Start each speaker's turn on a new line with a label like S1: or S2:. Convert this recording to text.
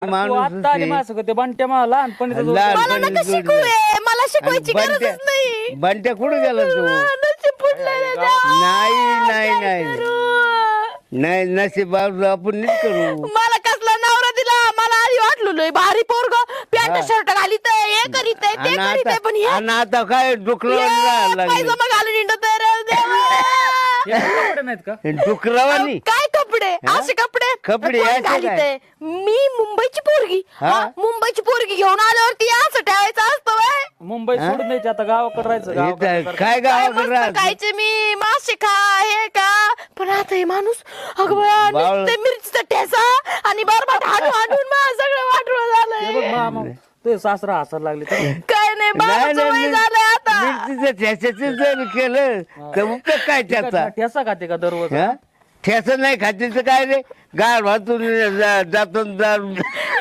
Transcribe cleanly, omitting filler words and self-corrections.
S1: तू
S2: माणूस
S1: आता आली माझं ते बंट्या मला लहानपणीचा जो-
S3: मला नका शिकू मला शिकवायची गरजच नाही
S2: बंट्या कुठे गेला तू
S3: नशीब फुटलंय रे देवा.
S2: नाही नाही
S3: काय
S2: नाही
S3: करू?
S2: नाही नशीब आपण नीट करू
S3: मला कसला नवरा दिला मला आधी वाटलो लय भारी पोरग पॅन्ट शर्ट घालीत हे करीत ते
S2: आणि
S3: करीत
S2: आता
S3: पण हे
S2: आणि आता काय डुकरावर लागले
S3: पायजमा घालून हिंडत आहे रे देवा.
S1: हे कपडे नाहीत का
S2: डुकरावानी
S3: काय कपडे असे कपडे
S2: कपडे
S3: कोण
S2: असे
S3: घालीत
S2: काय?
S3: आहे? मी मुंबईची पोरगी
S2: हा?
S3: हा, मुंबईची पोरगी घेऊन आल्यावरती असं ठेवायचं असतं व्हय?
S1: मुंबई सोडून द्यायची आता गावाकडे राहायचं गावाकडे
S2: इथं
S1: सारखं.
S2: काय
S3: काय
S2: गावाकडे
S3: मस्त
S2: राहत
S3: खायचे मी मासे खा हे का पण आता हे माणूस अगं बया
S2: बावळ.
S3: नुसतं मिरचीचा ठेसा आणि बरबाट हाणून हाणून मला सगळं वाटलं
S1: हे बघ
S3: झालंय
S1: मामा ते सासरा हसायला लागले तर
S3: काय नाही बाबाचं वय झालंय आता
S2: मिरचीचं ठ्याच्याचं जर केलं तर उपयोग काय त्याचा
S1: ठेसा खाते का दररोज
S2: ठेस नाही खातीचं काय रे गाड वाचून जातो